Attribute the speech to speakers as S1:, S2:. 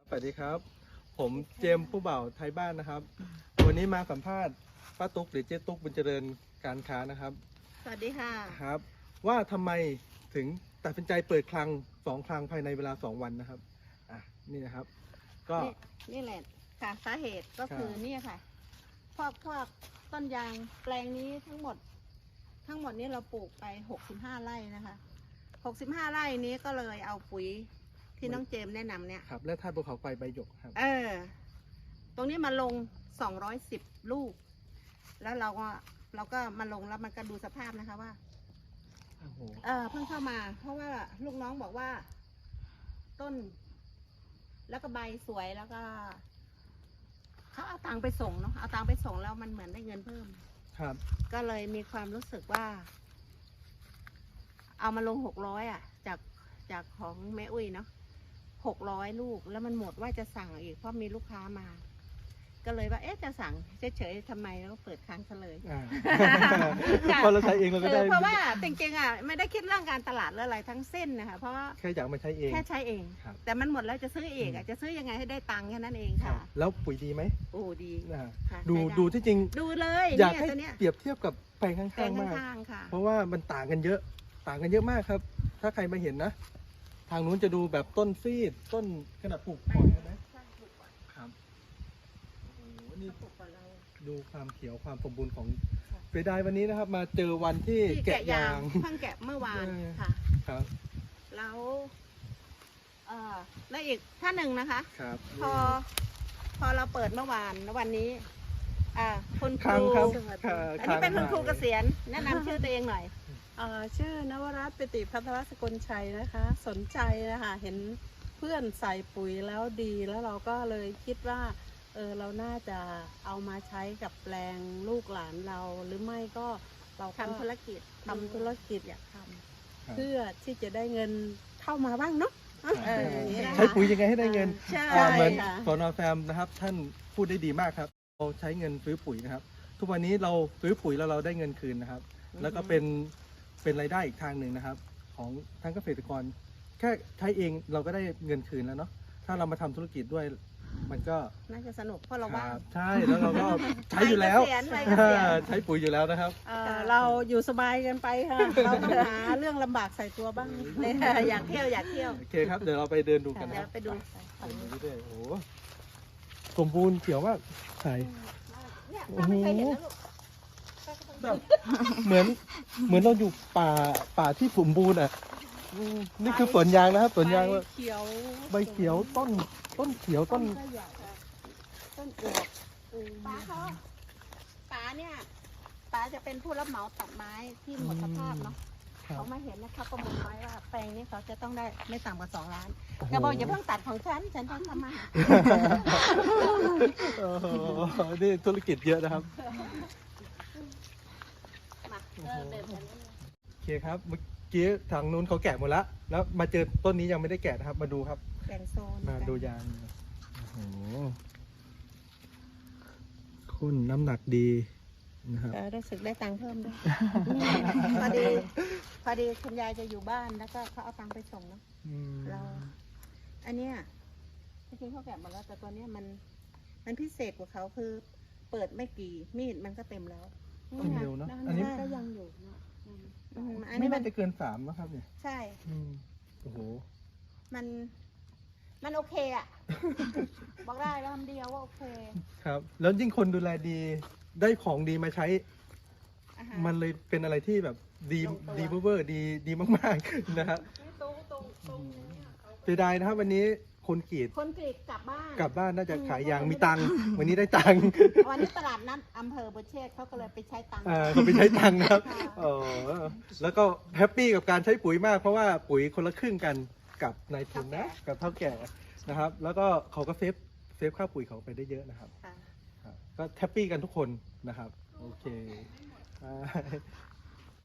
S1: สวัสดีครับผมเจมส์ผู้บ่าวไทยบ้านนะครับวันนี้มาสัมภาษณ์ป้าตุ๊กหรือเจ๊ตุ๊กบุญเจริญการค้านะครับ
S2: สวัสดีค่ะ
S1: ครับว่าทำไมถึงตัดสินใจเปิดคลัง2 คลังภายในเวลา2 วันนะครับนี่นะครับก็
S2: นี่แหละค่ะสาเหตุก็คือนี่ค่ะพวกต้นยางแปลงนี้ทั้งหมดนี้เราปลูกไป65 ไร่นะคะ65 ไร่นี้ก็เลยเอาปุ๋ยที่น้องเจมแนะนำเนี่ย
S1: ครับและธาตุภูเขาไฟใบหยกครับ
S2: ตรงนี้มาลง210 ลูกแล้วเราก็มาลงแล้วมันก็ดูสภาพนะคะว่าเพิ่งเข้ามาเพราะว่าลูกน้องบอกว่าต้นแล้วก็ใบสวยแล้วก็เขาเอาตังไปส่งเนาะเอาตังไปส่งแล้วมันเหมือนได้เงินเพิ่ม
S1: ครับ
S2: ก็เลยมีความรู้สึกว่าเอามาลง600จากของแม่อุ้ยเนาะ600 ลูกแล้วมันหมดว่าจะสั่งอีกเพราะมีลูกค้ามาก็เลยว่าจะสั่งเฉยๆทำไมแล้วก็เปิดครั้งเฉลย
S1: เพราะเราใช้เองเราก็ได้
S2: เพราะว่าจริงๆไม่ได้คิดเรื่องการตลาดหรืออะไรทั้งสิ้นนะคะเพราะ
S1: แค่อยากมาใช้เอง
S2: แค่ใช้เองแต่มันหมดแล้วจะซื้อเองจะซื้อยังไงให้ได้ตังค์แค่นั้นเองค่ะ
S1: แล้วปุ๋ยดีไหม
S2: โอ้ดี
S1: ดูที่จริง
S2: ดูเลย
S1: อยากให้เปรียบเทียบกับแปลงข้างๆมากเพราะว่ามันต่างกันเยอะมากครับถ้าใครมาเห็นนะทางนู้นจะดูแบบต้นซีดต้นขนาดปลูกก่อนใช่ไหมครับโอ้โหนี่ดูความเขียวความสมบูรณ์ของเสียดายวันนี้นะครับมาเจอวันที่แกะยาง
S2: เพิ่งแกะเมื่อวานค่ะ
S1: ครับ
S2: แล้วและอีกท่านหนึ่งนะคะ
S1: ครับ
S2: พอเราเปิดเมื่อวานแล้ววันนี้คุณครูอันนี้เป็นคุณครูเกษียณแนะนำชื่อตัวเองหน่อย
S3: ชื่อนวรัตน์ปิติพัทรสกุลชัยนะคะสนใจนะคะเห็นเพื่อนใส่ปุ๋ยแล้วดีแล้วเราก็เลยคิดว่าเราน่าจะเอามาใช้กับแปลงลูกหลานเราหรือไม่ก็เรา
S2: ทำธุรกิจ
S3: อยากทำเพื่อที่จะได้เงินเข้ามาบ้างเนาะ
S1: ใช้ปุ๋ยยังไงให้ได้เงินเหมือนสน.แฟมนะครับท่านพูดได้ดีมากครับเราใช้เงินซื้อปุ๋ยนะครับทุกวันนี้เราซื้อปุ๋ยแล้วเราได้เงินคืนนะครับแล้วก็เป็นรายได้อีกทางหนึ่งนะครับของทั้งเกษตรกรแค่ใช้เองเราก็ได้เงินคืนแล้วเนาะถ้าเรามาทำธุรกิจด้วยมันก็
S2: น่าจะสนุกเพราะเราว่าง
S1: ใช่แล้วเราก็ใช้อยู่แล้วใช้ปุ๋ยอยู่แล้วนะครับ
S3: เราอยู่สบายกันไปค่ะเราหาเรื่องลำบากใส่ตัวบ้าง
S2: อยากเที่ยว
S1: โอเคครับเดี๋ยวเราไปเดินดูกันนะ
S2: ไปดู
S1: โอ้โหสมบูรณ์เขียวมากใช่
S2: โอ้โห
S1: แบบเหมือนเราอยู่ป่าที่สมบูรณ์อ่ะนี่คือสวนยางนะครับสวนยางว่าใบเขียวต้นเขียวต้น
S2: อวบป๋าเนี่ยป๋าจะเป็นผู้รับเหมาตัดไม้ที่หมดสภาพเนาะเขามาเห็นนะคะประเมินไว้ว่าแปลงนี้เขาจะต้องได้ไม่ต่ำกว่า2 ล้านแกบอกอย่าเพิ่งตัดของฉันต้องทำมา
S1: นี่ธุรกิจเยอะนะครับโอเคครับเมื่อกี้ทางนู้นเขาแกะหมดแล้วมาเจอต้นนี้ยังไม่ได้แกะนะครับมาดูครับ
S2: แบ่งโซน
S1: มาดูยางโอ้โหคุณน้ำหนักดีนะครับ
S2: รู้สึกได้ตังค์เพิ่มด้วยพอดีคุณยายจะอยู่บ้านแล้วก็เขาเอาตังค์ไปส่งเนาะเราอันเนี้ยจริงๆเขาแกะหมดแล้วแต่ตัวเนี้ยมันพิเศษกว่าเขาคือเปิดไม่กี่มีดมันก็เต็มแล้ว
S1: เร็วเนาะ
S3: อันนี้ก็ยังอยู่
S1: ไม่น่าจะเกิน3นะครับเนี่ย
S2: ใช่
S1: โอ้โห
S2: มันโอเคอ่ะบอกได้แล้วคำเดียวว่าโอเค
S1: ครับแล้วยิ่งคนดูแลดีได้ของดีมาใช้มันเลยเป็นอะไรที่แบบดีเวอร์ดีมากๆนะครับเสียดายนะครับวันนี้คนกรีด
S2: กลับบ้าน
S1: น่าจะขายยางมีตังค์วันนี้ได้ตังค์
S2: วันนี้ตลาดนัดอำเภอบุเชษเขาก็เลยไปใช้ตังค์
S1: เขาไปใช้ตังค์นะครับแล้วก็แฮปปี้กับการใช้ปุ๋ยมากเพราะว่าปุ๋ยคนละครึ่งกันกับนายทุนนะกับเท่าแก่นะครับแล้วก็เขาก็เซฟค่าปุ๋ยเขาไปได้เยอะนะครับก็แฮปปี้กันทุกคนนะครับโอเค